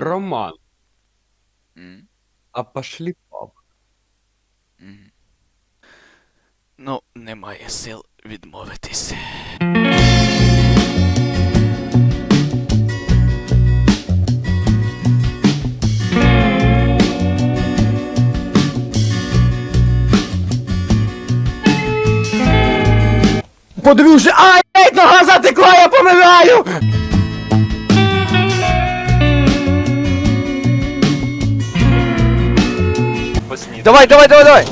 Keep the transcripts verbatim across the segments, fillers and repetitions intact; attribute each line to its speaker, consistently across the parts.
Speaker 1: Роман,
Speaker 2: М,
Speaker 1: а пошли пап.
Speaker 2: м. Ну, немає сил відмовитись.
Speaker 1: Подививши, ай, ей, нога затекла, я помираю! Давай, давай, давай, давай!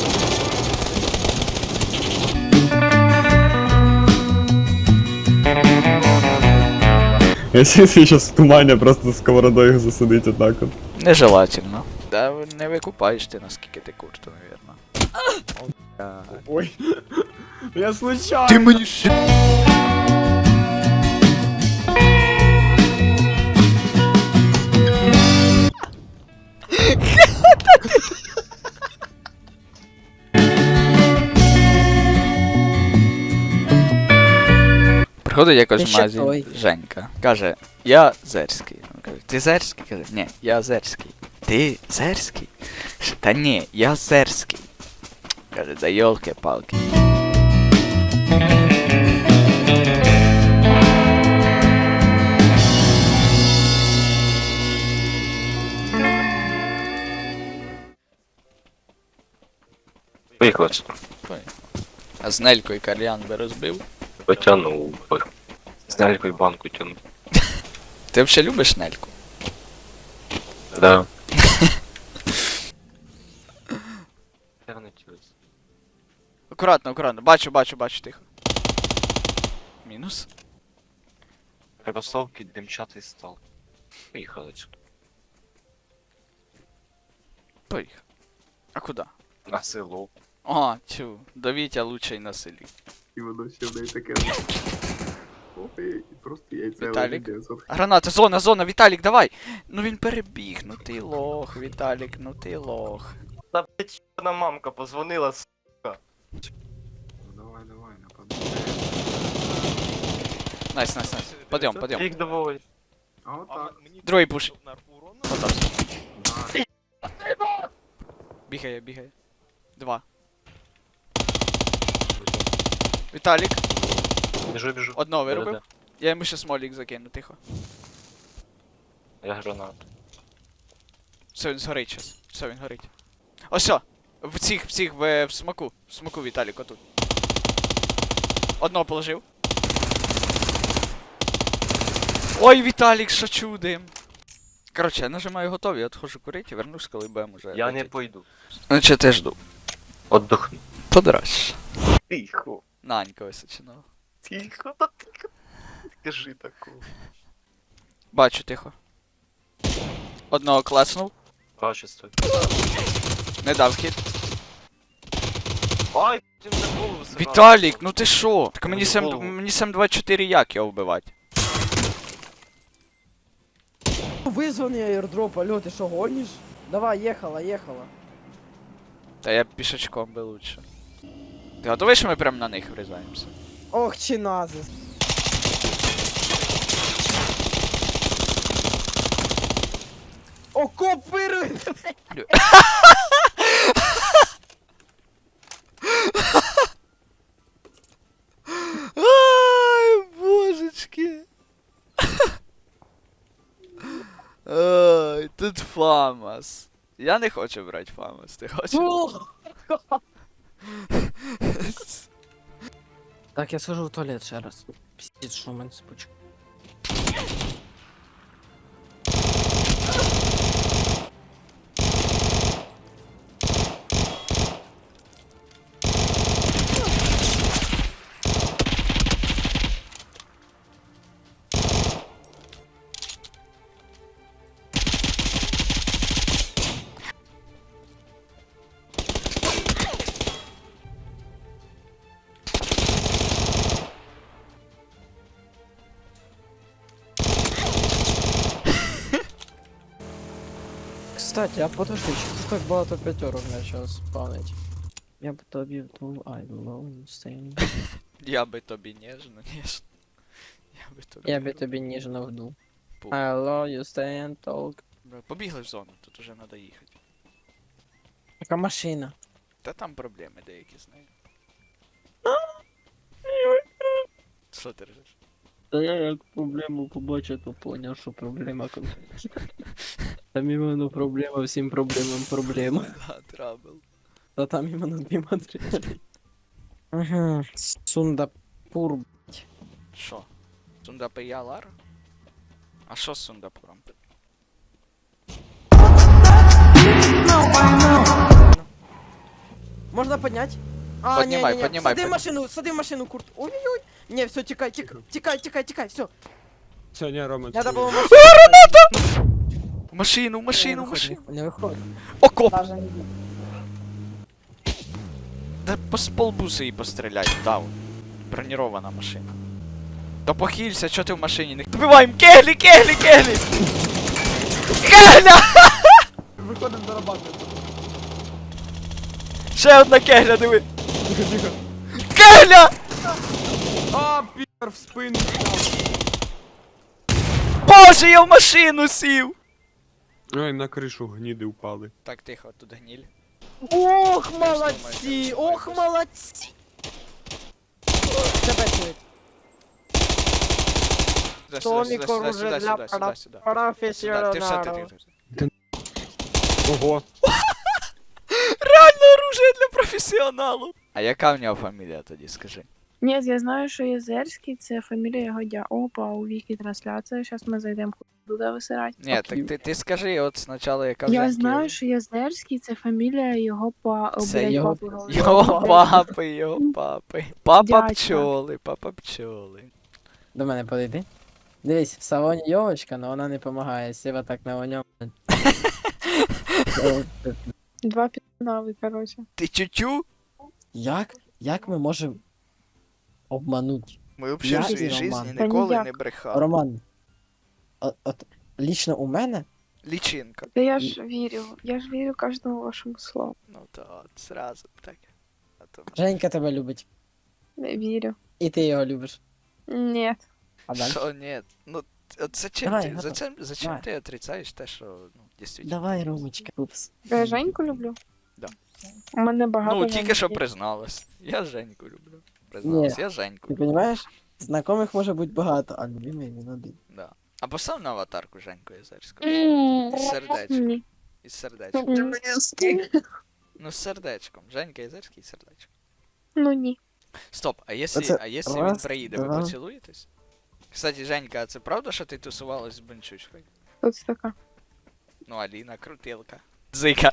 Speaker 3: Если сейчас в тумане просто сковородой их засадить вот так вот.
Speaker 2: Нежелательно. Да не викупаєш ти, наскільки ти курту, навірно.
Speaker 3: Ой, я случайно.
Speaker 2: Ти мені ще... Приходить якось
Speaker 4: Ти
Speaker 2: в
Speaker 4: ще
Speaker 2: магазин
Speaker 4: той.
Speaker 2: Женька. Каже, я Зерський. Він каже, ти Зерський? Каже, ні, я Зерський. Ти Зерський? Каже, та ні, я Зерський. Каже, да йолки-палки.
Speaker 5: Поїхали.
Speaker 2: А з Нелькою кальян би розбив.
Speaker 5: Потягнув би. З нелькою банку тягнув.
Speaker 2: Ти взагалі любиш Нельку?
Speaker 5: Да.
Speaker 2: Акуратно, акуратно. Бачу, бачу, бачу, тихо. Мінус.
Speaker 5: Кросовки, димчатий стал. Поїхали сюди.
Speaker 2: Поїхав. А куди?
Speaker 5: На село.
Speaker 2: Ага, тю, до Вітя лучший на селі.
Speaker 3: І воно ще в неї таке. Ой, просто яйця.
Speaker 2: Віталік? Граната, зона, зона, Віталік, давай! Ну він перебіг, ну ти лох, Віталік, ну ти лох.
Speaker 5: Та блять, на мамка позвонила, с***.
Speaker 3: Давай, давай, нападай.
Speaker 2: Найс, найс, найс. Подйом, подйом.
Speaker 5: Їх доволі.
Speaker 3: А от так.
Speaker 2: Другий пуш. Готовся. Бігає, бігає. Два. Віталік,
Speaker 5: Біжу, біжу.
Speaker 2: одного виробив.
Speaker 5: Да-да-да.
Speaker 2: Я йому ще смолік закину, тихо.
Speaker 5: Я гранат.
Speaker 2: Все, він згорить щас. Все, він горить. Ось все! В цих, в цих, в, в смаку. В смаку, Віталік, отут. Одного положив. Ой, Віталік, що чудим. Коротше, я нажимаю готові, отхожу курити і вернусь, коли будемо вже.
Speaker 5: Я не
Speaker 2: летіти.
Speaker 5: пойду.
Speaker 2: Значить, я жду.
Speaker 5: Отдохну.
Speaker 2: Подраж.
Speaker 5: Тихо.
Speaker 2: Нанька височинова.
Speaker 5: Тихо, та тихо. Скажи такого.
Speaker 2: Бачу, тихо. Одного класнув.
Speaker 5: Бачу, стой.
Speaker 2: Не дав хід.
Speaker 5: Ай, ти мене в голову сразу.
Speaker 2: Віталік, ну ти шо? Так мені
Speaker 5: Мені
Speaker 2: сем,
Speaker 5: голову.
Speaker 2: мені сем двадцять чотири як його вбивати?
Speaker 4: Визваний аирдроп, алло, ти що гониш? Давай, ехала, ехала.
Speaker 2: Та я пішечком би лучше. Ти готовий, що ми прямо на них врізаємося?
Speaker 4: Ох, чиназис. Окоп вирує!
Speaker 2: Ай, божечки. Ай, тут Фамас. Я не хочу брати Фамас, ти хочеш?
Speaker 4: Так, я схожу в туалет ще раз. Піздець, що в мене спочку. Кстати, а подожди, что так багато п'ятерок почав спавнить? Я б тобі вдул, I will stay.
Speaker 2: Я би тобі ніжно, ніжно. Я би тобі.
Speaker 4: Я би тобі ніжно вдул.
Speaker 2: Пу.
Speaker 4: I love you, stay and talk.
Speaker 2: Бля, побігли в зону, тут уже треба їхати.
Speaker 4: Яка машина?
Speaker 2: Та там проблеми деякі з нею. Що ти ржеш?
Speaker 4: Та я як проблему побачив, то поняв, що проблема конкретна. Там іменно проблема, всім проблемам проблема.
Speaker 2: Да, трабл.
Speaker 4: Та там іменно дві матеріалі. Ага, Сундапур.
Speaker 2: Що? Сундапиялар? А що з Сундапуром?
Speaker 4: Можна підняти? А,
Speaker 2: Поднімай,
Speaker 4: ні, ні, ні.
Speaker 2: поднімай,
Speaker 4: Сади в
Speaker 2: поднімай.
Speaker 4: машину, сади в машину, Курт. Ой-ой-ой. Ні, все, тікай, тікай, тікай, тікай, тікай, все.
Speaker 3: Все, ні, Рома,
Speaker 4: Надо
Speaker 3: це-
Speaker 4: було машину.
Speaker 2: В машину, в машину, в машину.
Speaker 4: Не виходь.
Speaker 2: Окоп! Да по полбуса її пострілять, дав. Бронірована машина. Та похилься, чо ти в машині не... Добиваємо! Кеглі, кеглі, кеглі! Кегля!
Speaker 3: Виходимо до роботи.
Speaker 2: Ще одна кегля, диви! Кегля!
Speaker 3: А, пі***р в спину.
Speaker 2: Боже, я в машину сів!
Speaker 3: Ой, на кришу гніди впали.
Speaker 2: Так, тихо, тут гніль.
Speaker 4: Ох, молодці, ох, молодці. Тебе чують.
Speaker 2: Сюди, сюди,
Speaker 4: Томік
Speaker 2: сюди,
Speaker 4: оружие
Speaker 2: сюди,
Speaker 4: для
Speaker 2: сюди, сюди, сюди. Сюди, ти все, ти,
Speaker 4: професіоналів.
Speaker 2: ти, ти.
Speaker 3: Ого.
Speaker 2: Реально оружие для професіоналу. А яка в нього фамілія тоді, скажи?
Speaker 6: Ні, я знаю, що Єзерський це фамілія його дя. Опа, у вікі трансляція. Зараз ми зайдемо туди висирати.
Speaker 2: Ні, так ти, ти скажи от спочатку, яка в
Speaker 6: Я
Speaker 2: Женьки
Speaker 6: знаю,
Speaker 2: є.
Speaker 6: що Єзерський це фамілія його па... о,
Speaker 2: Це
Speaker 6: блядь,
Speaker 4: його-
Speaker 6: папи говорю.
Speaker 2: Його папи, його папи. Папа
Speaker 6: Дядька.
Speaker 2: пчоли, папа пчоли.
Speaker 4: До мене подойди. Дивись, в салоні йовочка, але вона не допомагає, сіва так на ньому.
Speaker 6: Два піднави, коротше.
Speaker 2: Ти тютю?
Speaker 4: Як? Як ми можемо обманути?
Speaker 2: Ми взагалі в
Speaker 4: Я
Speaker 2: своїй
Speaker 4: і
Speaker 2: житті
Speaker 4: Роман.
Speaker 6: Та
Speaker 2: ніколи
Speaker 6: ніяк.
Speaker 2: не брехали.
Speaker 4: Роман, от, от лічно у мене
Speaker 2: Лічинка.
Speaker 6: Та я ж вірю, я ж вірю кожному вашому слову.
Speaker 2: Ну то от, зразу так. А то...
Speaker 4: Женька тебе любить.
Speaker 6: Не вірю.
Speaker 4: І ти його любиш.
Speaker 6: Ні.
Speaker 4: А далі?
Speaker 2: Що, ні, ну, от зачем
Speaker 4: Давай,
Speaker 2: ти,
Speaker 4: готов.
Speaker 2: зачем, зачем
Speaker 4: Давай.
Speaker 2: ти отрицаєш те, що, ну, дійсно.
Speaker 4: Давай, Ромочка. Упс.
Speaker 6: Я Женьку люблю?
Speaker 2: Да.
Speaker 6: У мене багато.
Speaker 2: Ну, тільки що
Speaker 6: Женьків.
Speaker 2: призналась. Я Женьку люблю. Призналась, я
Speaker 4: Ти
Speaker 2: Женьку.
Speaker 4: розумієш? Знайомих може бути багато, а любимий він один.
Speaker 2: Да. А постав на аватарку Женьку Єзерську.
Speaker 6: М,
Speaker 2: Із сердечком.
Speaker 6: Ні.
Speaker 2: Із сердечком.
Speaker 6: М,
Speaker 2: Ну, з сердечком. Женька Єзерський, сердечком.
Speaker 6: Ну ні.
Speaker 2: Стоп, а якщо,
Speaker 4: Оце
Speaker 2: а якщо він
Speaker 4: раз,
Speaker 2: приїде, ви
Speaker 4: два.
Speaker 2: поцілуєтесь? Кстати, Женька, а це правда, що ти тусувалась з Бенчучкою?
Speaker 6: Тут така.
Speaker 2: Ну, Аліна, крутилка. Зика.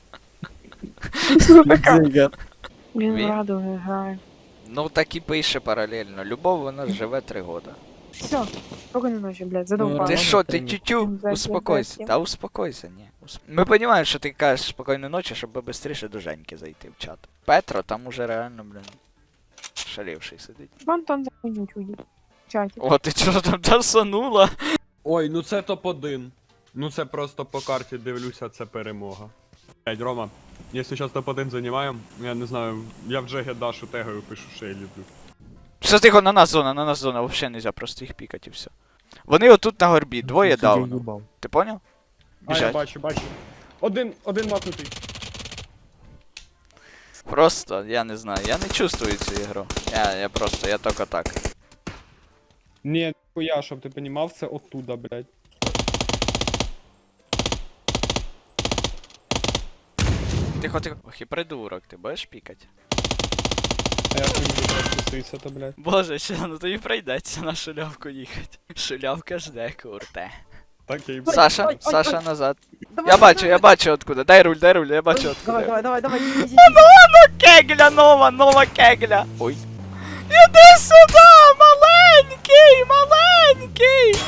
Speaker 4: Дзига.
Speaker 6: Він
Speaker 2: Він?
Speaker 6: в радуги грає.
Speaker 2: Ну, так і пише паралельно. Любов, вона живе три года.
Speaker 6: Все, спокійної ночі, блядь,
Speaker 4: Ну,
Speaker 6: задовбала.
Speaker 2: Ти
Speaker 4: Ладно,
Speaker 2: що, ти
Speaker 4: прийму.
Speaker 2: тютю?
Speaker 6: Зайдем,
Speaker 2: Успокойся.
Speaker 6: зайдем.
Speaker 2: Та успокойся, ні. Усп- Ми розуміємо, що ти кажеш спокійної ночі, щоб швидше до Женьки зайти в чат. Петро там уже реально, блін, шалівший сидить.
Speaker 6: Вон там захуйнють уйдіть. В чаті.
Speaker 2: О, ти чого там тасанула?
Speaker 3: Ой, ну це топ один. Ну це просто по карті дивлюся, це перемога. Блять, Рома, якщо зараз топ один займаємо, я не знаю, я в Джегі Дашу тегаю, пишу, що я люблю.
Speaker 2: Все тихо, на нас зона, на нас зона, взагалі нельзя просто їх пікати і все. Вони отут на горбі, двоє дауну. Ти поняв?
Speaker 3: А, я
Speaker 2: Біжать.
Speaker 3: бачу, бачу. Один, один макнутий.
Speaker 2: Просто, я не знаю, я не чувствую цю ігру. Я, я просто, я тільки так.
Speaker 3: Ні, я, щоб ти понімав, це оттуда, блять.
Speaker 2: Тихо, тихо. Ох, і придурок, ти будеш пікати?
Speaker 3: А як він буде спуститися, то, блять.
Speaker 2: Боже, ще, ну тобі прийдеться на шулявку їхати. Шулявка жде, курте.
Speaker 3: Так я і
Speaker 2: Саша,
Speaker 4: ой, ой,
Speaker 2: Саша
Speaker 4: ой.
Speaker 2: назад.
Speaker 4: Давай,
Speaker 2: Я бачу,
Speaker 4: давай,
Speaker 2: я бачу откуда. Дай руль, дай руль, я бачу
Speaker 4: Давай,
Speaker 2: откуда.
Speaker 4: давай, давай, давай, иди, иди,
Speaker 2: Кегля нова, нова кегля. Ой. Іди сюди, маленький, маленький.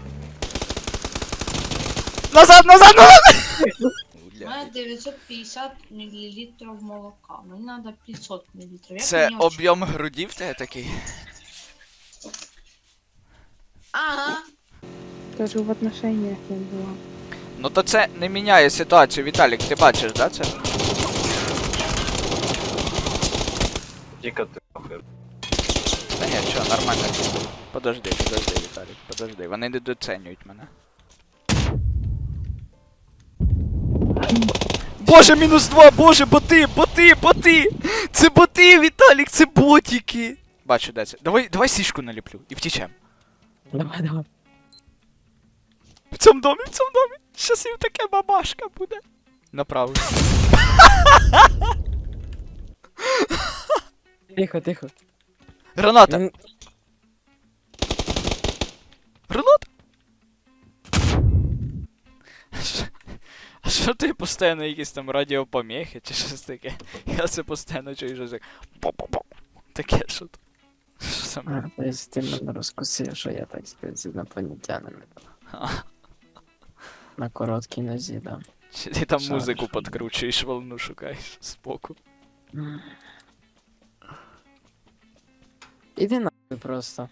Speaker 2: Назад, назад, назад.
Speaker 7: У мене дев'ятсот п'ятдесят мл молока. Мені треба п'ятсот мл. Як
Speaker 2: Це
Speaker 7: мені очі-
Speaker 2: об'єм грудів в тебе такий?
Speaker 7: Ага.
Speaker 6: Тож в отношениях я була.
Speaker 2: Ну то це не міняє ситуацію, Віталік, ти бачиш, да, це?
Speaker 5: Тільки ти нахуй.
Speaker 2: Та ні, що, нормально. Подожди, подожди, Віталік, подожди. Вони не доцінюють мене. Боже, мінус два, боже, боти, боти, боти! Це боти, Віталік, це ботики! Бачу, де це. Давай, давай сішку наліплю і втічем.
Speaker 4: Давай, давай.
Speaker 2: В цьому домі, в цьому домі. Щас їм таке бабашка буде. Направо.
Speaker 4: Тихо, тихо.
Speaker 2: Граната!
Speaker 4: Він-
Speaker 2: Граната! Ш- А що ти постійно якісь там радіопоміхи чи щось таке? Я це постійно чую, що так. По-по-по. Таке що то. Що саме?
Speaker 4: А, то есть ти мене розкусив, що я, так сказати, з інопланетянами. На короткій нозі, да.
Speaker 2: Чи ти там
Speaker 4: Шариш.
Speaker 2: музику подкручуєш, волну шукаєш збоку?
Speaker 4: Іди нахуй просто.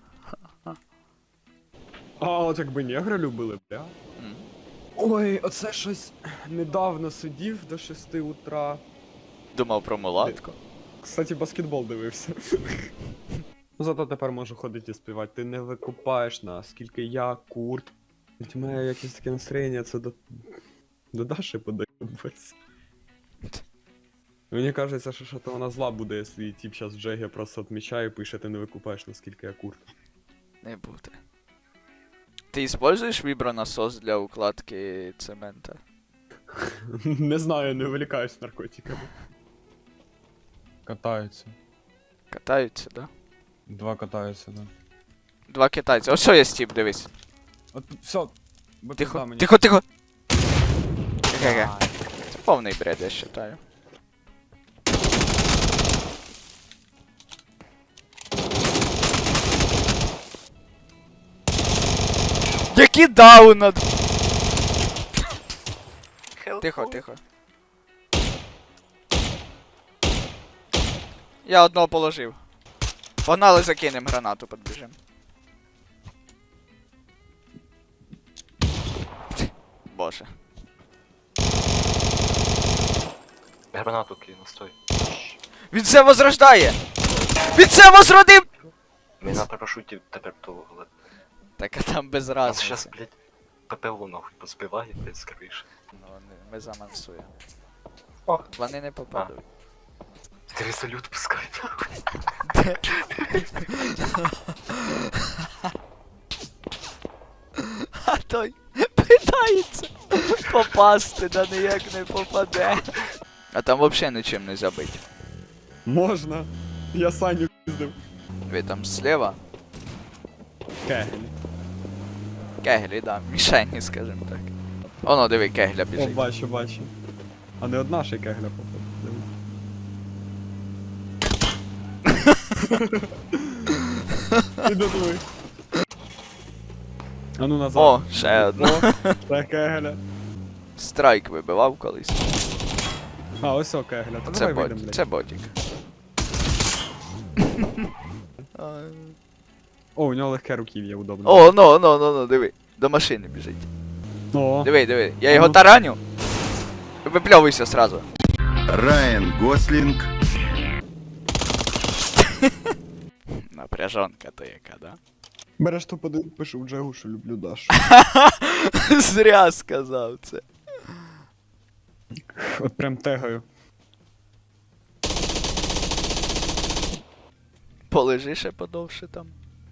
Speaker 3: А от якби негри любили, бля.
Speaker 2: М.
Speaker 3: Ой, оце щось недавно сидів до шести утра.
Speaker 2: Думав про мулатку.
Speaker 3: Кстати, баскетбол дивився. Ну зато тепер можу ходити і співати. Ти не викупаєш нас, скільки я, курт. Ведь у мене якесь таке настроєння, це до. До Даші подобається. Мені кажеться, що що то вона зла буде, якщо тип зараз в Джегі просто відмічає і пише, ти не викупаєш, наскільки я курт.
Speaker 2: Не буде. Ти используєш вібронасос для укладки цемента?
Speaker 3: Не знаю, не вилікаюсь наркотиками.
Speaker 8: Катаються.
Speaker 2: Катаються, да?
Speaker 8: Два катаються, да.
Speaker 2: Два китайці. Ось що є стіп, дивись.
Speaker 8: От все. Бо пизда
Speaker 2: Тихо,
Speaker 8: мені.
Speaker 2: тихо, тихо! Ге-ге. Це повний бред, я вважаю. Які дауна! Тихо, тихо. Я одного положив. Погнали, закинем гранату, підбіжим. Боже.
Speaker 5: Гранату кину, стой.
Speaker 2: Він це возрождає! Він це возродив!
Speaker 5: Ми на парашуті тепер того, але...
Speaker 2: Так а там без
Speaker 5: Нас
Speaker 2: разу.
Speaker 5: щас, блядь, ППО нахуй позбиває, блядь, з криші.
Speaker 2: Ну, вони- ми замансуємо.
Speaker 5: О.
Speaker 2: Вони не попадуть.
Speaker 5: Ти салют пускай, нахуй.
Speaker 2: А той питається попасти, да ніяк не попаде. А там взагалі нічим не забить.
Speaker 3: Можна. Я Саню піздив.
Speaker 2: Ви там зліва?
Speaker 3: Кегель.
Speaker 2: Кеглі, да, мішені, скажімо так. Оно, диви, кегля
Speaker 3: О,
Speaker 2: біжить.
Speaker 3: бачу, бачу. А не одна ще кегля походу. Іди диви. А ну назад.
Speaker 2: О, ще одна.
Speaker 3: О, це кегля.
Speaker 2: Страйк вибивав колись.
Speaker 3: А, ось о кегля. Та
Speaker 2: Це
Speaker 3: давай вийдем,
Speaker 2: бот,
Speaker 3: блядь.
Speaker 2: це ботик.
Speaker 3: О, у нього легке руків'я, удобно.
Speaker 2: О, ну, ну, ну, ну, диви. До машини біжить.
Speaker 3: О.
Speaker 2: Диви, диви. Я
Speaker 3: А
Speaker 2: його
Speaker 3: ну.
Speaker 2: тараню. Випльовуйся сразу.
Speaker 9: Райан Гослинг.
Speaker 2: Напряжонка то яка, да?
Speaker 3: Береш топ один, пишу в Джегу, що люблю Дашу.
Speaker 2: Зря сказав це.
Speaker 3: От прям тегаю.
Speaker 2: Полежи ще подовше там.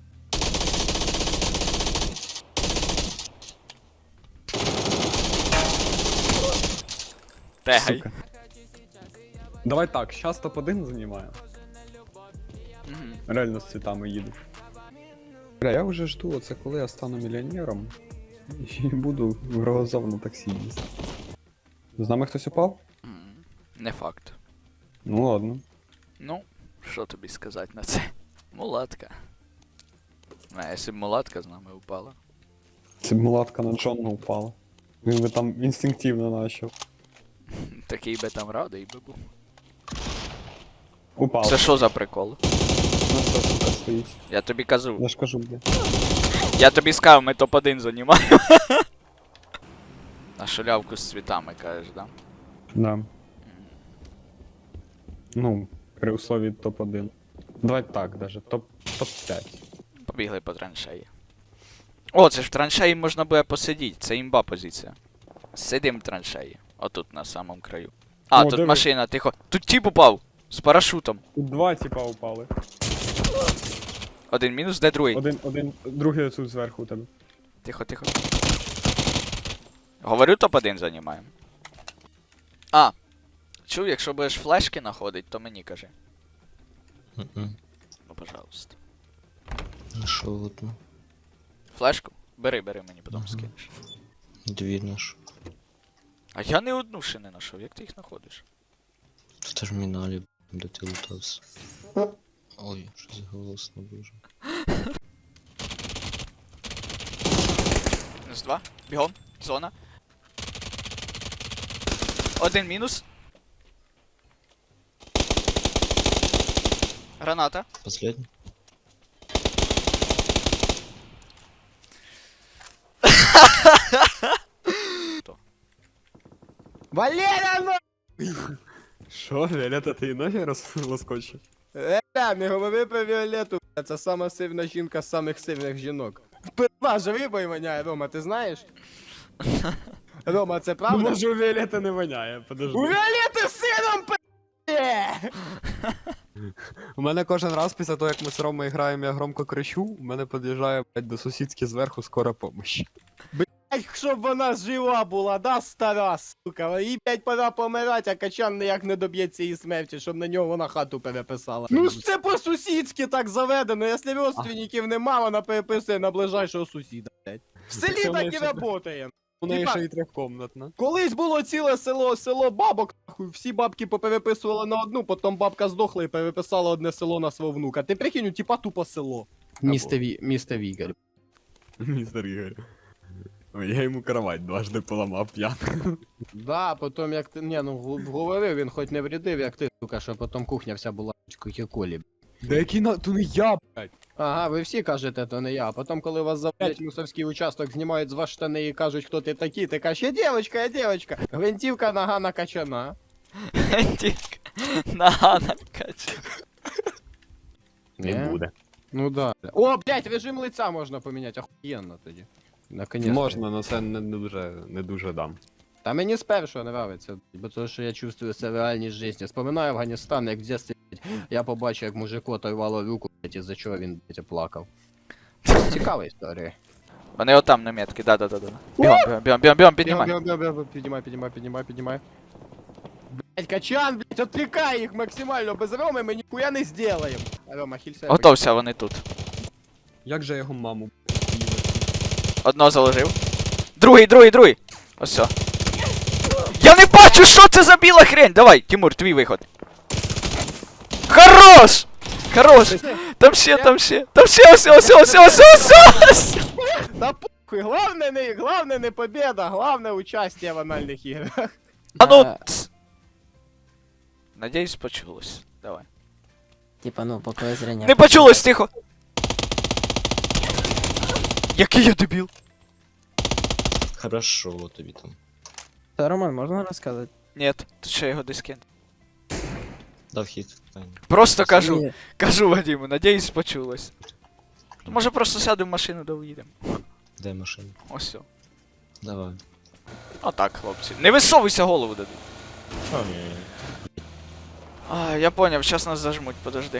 Speaker 2: Тегай.
Speaker 3: Сука. Давай так, щас топ один займаємо.
Speaker 2: Мгм.
Speaker 3: Реально з цвітами їду. Бля, я вже жду, оце коли я стану мільйонером і буду в Рогозов на таксі їздити. З нами хтось упав?
Speaker 2: М, Не факт.
Speaker 3: Ну ладно.
Speaker 2: Ну, що тобі сказати на це? Мулатка. А якщо б мулатка з нами упала.
Speaker 3: Це б мулатка на Джонна упала. Він би там інстинктивно начав.
Speaker 2: Такий би там радий би був.
Speaker 3: Упав.
Speaker 2: Це що за прикол?
Speaker 3: Ну все, сука, стоїть.
Speaker 2: Я тобі кажу.
Speaker 3: Я ж кажу, бля.
Speaker 2: Я тобі сказав, ми топ один займаємо. На шулявку з цвітами кажеш, да?
Speaker 3: Да. Ну, при услові топ один. Давай так даже, топ п'ять.
Speaker 2: Побігли по траншеї. О, це ж в траншеї можна буде посидіти, це імба позиція. Сидим в траншеї. Отут на самому краю. А,
Speaker 3: О,
Speaker 2: тут
Speaker 3: диви.
Speaker 2: машина, тихо. Тут тіп упав! З парашутом.
Speaker 3: Тут два типа упали.
Speaker 2: Один мінус, де другий?
Speaker 3: Один, один, другий тут зверху у тебе.
Speaker 2: Тихо, тихо. Говорю, топ один займаємо. А. Чув, якщо будеш флешки знаходить, то мені кажи.
Speaker 10: Мгм.
Speaker 2: Ну, пожалуйста.
Speaker 10: Нашел одну.
Speaker 2: Флешку? Бери, бери, мені потім
Speaker 10: Ага.
Speaker 2: скинеш.
Speaker 10: Дві нашел.
Speaker 2: А я не одну ще не знайшов, як ти їх знаходиш?
Speaker 10: В терміналі, де ти лутався. Ой, щось голосно дуже.
Speaker 2: Мінус два. Бігом. Зона. Один мінус. Граната.
Speaker 10: Последній?
Speaker 1: Валера, ну!
Speaker 3: Що, Віолетта, ти і ноги роз- розкочив?
Speaker 1: Е, не говори про Віолету, бля, це сама сильна жінка з самих сильних жінок. Пирва ж рибою воняє, Рома, ти знаєш? Рома, це
Speaker 3: Ну,
Speaker 1: правда?
Speaker 3: може у Віолетти не воняє, подожди.
Speaker 1: У Віолети сином пи***є!
Speaker 3: У мене кожен раз після того, як ми з Ромою граємо, я громко кричу, у мене під'їжджає, блядь, до сусідки зверху скора помощь.
Speaker 1: Ай, щоб вона жива була, да, стара, сука. Їй, блядь, пора помирати, а Качан ніяк не доб'ється її смерті, щоб на нього вона хату переписала. Ну ж це по-сусідськи так заведено, якщо родственників нема, вона переписує на ближайшого сусіда, блядь. В селі
Speaker 3: Це
Speaker 1: так і
Speaker 3: лише-
Speaker 1: работає.
Speaker 3: У неї
Speaker 1: Типа-
Speaker 3: ще й трьохкомнатна.
Speaker 1: Колись було ціле село, село бабок, нахуй, всі бабки попереписували на одну, потім бабка здохла і переписала одне село на свого внука. Ти прикинь, типа тупо село. Місто, Ві... Місто Вігель.
Speaker 3: Містер Ігор. Ой, я йому кровать дважди поламав п'яний.
Speaker 1: Да, потім як ти, ні, ну гу- говорив, він хоч не врядив, як ти, сука, що потім кухня вся була колі.
Speaker 3: Да який на... То не я, блядь.
Speaker 1: Ага, ви всі кажете, то не я. А потім, коли вас заводять мусорський участок, знімають з вас штани і кажуть, хто ти такий, ти кажеш, я дівчинка, я дівчинка. Гвинтівка, нога накачана.
Speaker 2: Тільки нога накачана.
Speaker 1: Не буде. Ну да. О, блядь, режим лиця можна поміняти, охуєнно тоді. Наконец.
Speaker 3: Можна, але це не, не дуже, не дуже дам.
Speaker 1: Та мені з першого нравиться, бо то, що я чувствую це в реальній житті. Споминаю Афганістан, як в дитинстві, блядь, я побачив, як мужику оторвало руку, блядь, із-за чого він, блядь, плакав. Цікава історія.
Speaker 2: Вони отам на метки, да-да-да-да. Бігом, бігом, бігом, бігом, бігом, піднімай.
Speaker 1: Бігом, бігом, бігом, піднімай, піднімай, піднімай, піднімай. Блядь, Качан, блядь, отвлекай їх максимально, без Роми ми ніхуя не сделаем. Рома, хілься.
Speaker 2: Готовся, вони тут.
Speaker 3: Як же його маму?
Speaker 2: Одного заложив. Другий, другий, другий. Ось все. Я не бачу, що це за біла хрень. Давай, Тимур, твій виход. Хорош! Хорош! Там ще, там ще. Там ще, ось, ось, ось, ось, ось, ось.
Speaker 1: Да похуй, главное не, главное не победа, главное участие в анальных играх.
Speaker 2: А ну... ц. Надіюсь, почулось. Давай.
Speaker 4: Типа, ну, поки зрення.
Speaker 2: Не почулось, тихо! Який я дебіл?
Speaker 10: Хорошо тобі там.
Speaker 4: Та, Роман, можна розказати?
Speaker 2: Нет, тут ще його дискін.
Speaker 10: Дав хід. Файно.
Speaker 2: Просто кажу,
Speaker 4: Ні.
Speaker 2: кажу Вадиму, надіюсь, почулось. Може просто сядемо в машину да уїдемо.
Speaker 10: Де машина?
Speaker 2: Ось все.
Speaker 10: Давай.
Speaker 2: Отак, хлопці. Не висовуйся, голову дадуть. А, я поняв, сейчас нас зажмуть, подожди.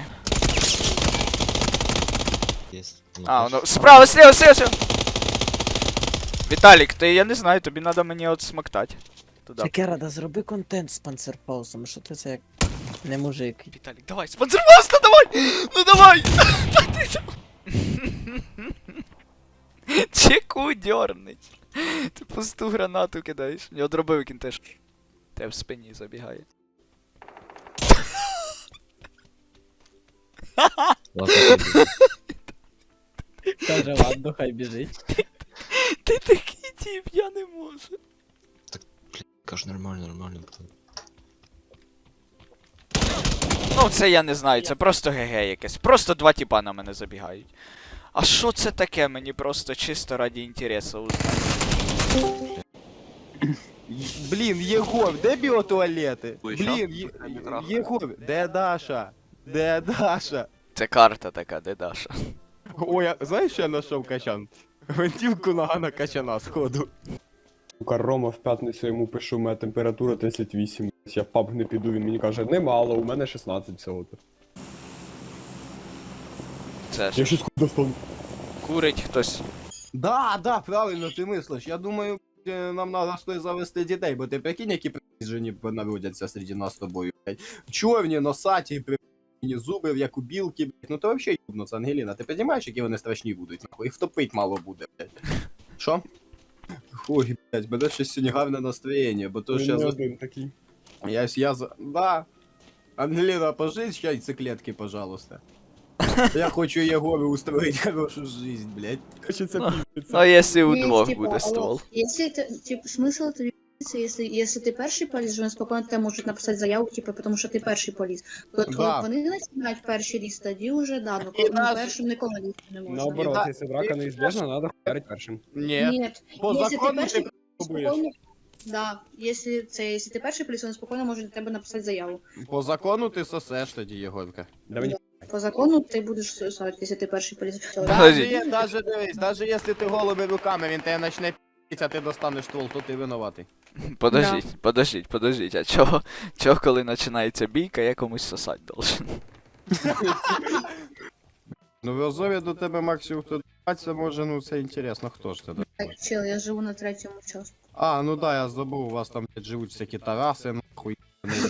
Speaker 10: Єсть.
Speaker 2: А, воно... Справа, слева, слева, слева! Віталік, ти, я не знаю, тобі треба мені от смоктати. Туда.
Speaker 4: Шекера, да зроби контент з панцерпаусом, що ти це як не мужик.
Speaker 2: Віталік, давай, спонсорваст, ну давай! Ну давай! Та ти там- Чеку дернить. Ти пусту гранату кидаєш. Я дробив він теж. Те в спині забігає.
Speaker 10: Ладно, піду.
Speaker 4: Каже, ладно, хай біжить.
Speaker 2: Ти такий тип, я не можу.
Speaker 10: Кажу, нормально, нормально.
Speaker 2: Ну це я не знаю, це просто ГГ якесь. Просто два тіпа на мене забігають. А що це таке? Мені просто чисто раді інтересу узнати.
Speaker 1: Блін, Єгор, де біотуалети? Блін, Є- Єгор, де Даша? Де Даша?
Speaker 2: Це карта така, де Даша.
Speaker 1: Ой, а знаєш, що я знайшов Качан? Гвинтівку нога на Качана, сходу.
Speaker 3: Сука, Рома в п'ятницю йому пишу, у мене температура тридцять вісім. Я в паб не піду, він мені каже, немало, у мене шістнадцять всього-то.
Speaker 2: Це
Speaker 3: Я
Speaker 2: ж
Speaker 3: щось достану.
Speaker 2: курить хтось.
Speaker 1: Да, да, правильно ти мислиш. Я думаю, е, нам треба стоїть завести дітей, бо ти прикинь, які приїжджені народяться серед нас з тобою, блядь. Чорні, носаті, при зуби, як у білки, блядь. Ну то взагалі юбнуться, Ангеліна. Ти розумієш, які вони страшні будуть, нахуй? Їх втопить мало буде, блядь. Що? Ой, блядь, мене щось сьогодні гарне настроєння, бо то
Speaker 3: Він
Speaker 1: що я
Speaker 3: не
Speaker 1: за...
Speaker 3: один такий.
Speaker 1: Я, я за... Да. Ангеліна, пожить яйцеклетки, пожалуйста. Я хочу Єгору устроить хорошу жизнь, блядь.
Speaker 3: Хочеться
Speaker 2: Ну.
Speaker 3: піздеться.
Speaker 2: Ну, а якщо у
Speaker 6: Ні,
Speaker 2: двох
Speaker 6: типа,
Speaker 2: буде
Speaker 6: алло,
Speaker 2: ствол.
Speaker 6: Если это, типа, смысл это если, если ты перший поліз, вони спокійно тебе можуть написати заяву, типу, тому що ти перший поліз. Коли
Speaker 1: Да.
Speaker 6: вони починають перший ліс, тоді вже да, ну
Speaker 1: І
Speaker 6: коли ну,
Speaker 1: нас-
Speaker 6: першим ніколи лізти не можна.
Speaker 3: Наоборот,
Speaker 1: Да.
Speaker 3: якщо драка неізбежна, треба хуярить першим.
Speaker 1: Ні.
Speaker 6: Нет,
Speaker 1: По
Speaker 6: если
Speaker 1: закону
Speaker 6: ти перший
Speaker 1: ти
Speaker 3: пробуєш.
Speaker 6: спокійно, да, если це, если ти перший поліз, вони спокійно можуть до тебе написати заяву.
Speaker 1: По закону ти сосеш тоді, Єгорка.
Speaker 3: Да мені
Speaker 6: По закону ти будеш сосати, якщо ти перший поліз. Все, да?
Speaker 1: Даже,
Speaker 2: Подожди.
Speaker 1: є- даже дивись, даже якщо ти голими руками, він тебе почне пі***ть, а ти достанеш ствол, то ти винуватий.
Speaker 2: Подождіть, подождіть, подождіть, а чого, чого коли починається бійка, я комусь сосать должен?
Speaker 1: Ну в Азові до тебе максимум хто д***ться може, ну це інтересно, хто ж це д***?
Speaker 6: Так, чел, я живу на третьому часу.
Speaker 1: А, ну да, я забув, у вас там блядь, живуть всякі тараси, нахуй.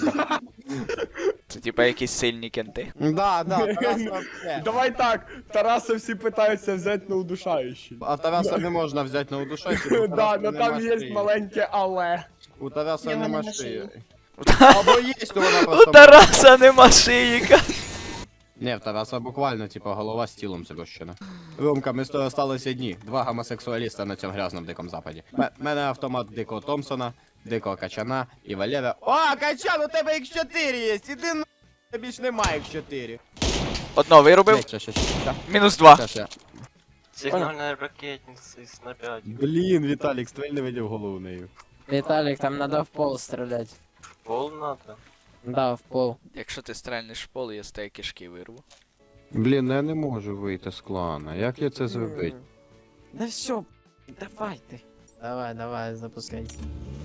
Speaker 2: Це типа якісь сильні кенти.
Speaker 1: Да, да, Тараса вообще.
Speaker 3: Давай так, Тараса всі питаються взяти на удушаючий.
Speaker 1: А Тараса не можна взяти на удушаючий, бо у
Speaker 3: Да,
Speaker 1: Тараса
Speaker 3: но
Speaker 1: нема
Speaker 3: там є
Speaker 1: шиї.
Speaker 3: маленьке але.
Speaker 1: У Тараса
Speaker 6: Його
Speaker 1: нема
Speaker 6: нема
Speaker 1: шиї.
Speaker 6: шиї.
Speaker 1: Або є, то вона
Speaker 2: У
Speaker 1: просто...
Speaker 2: Тараса нема шиїка.
Speaker 1: Не, в Тараса буквально, типа, голова з тілом зрощена. Ромка, ми з тобою осталися одні. Два гомосексуаліста на цьому грязному дикому западі. М- мене автомат Дикого Томпсона, Дикого Качана і Валера. О, Качан, у тебе ікс чотири є! Іди на... Тобі ж немає ікс чотири.
Speaker 2: Одно виробив,
Speaker 1: Блядь, ща, ща, ща, ща.
Speaker 2: мінус два.
Speaker 1: Ща, ща.
Speaker 5: Сигнальная ракетница из на пять.
Speaker 1: Блін, Віталік, стрель не видів голову нею.
Speaker 4: Виталик, там надо в пол стрелять.
Speaker 5: Пол надо.
Speaker 4: Да, в пол.
Speaker 2: Якщо ти стрельнеш в поле, я з тебе кишки вирву.
Speaker 1: Блін, ну я не можу вийти з клана. Як я це зробити?
Speaker 4: Да все, давай ты. Давай, давай, запускай.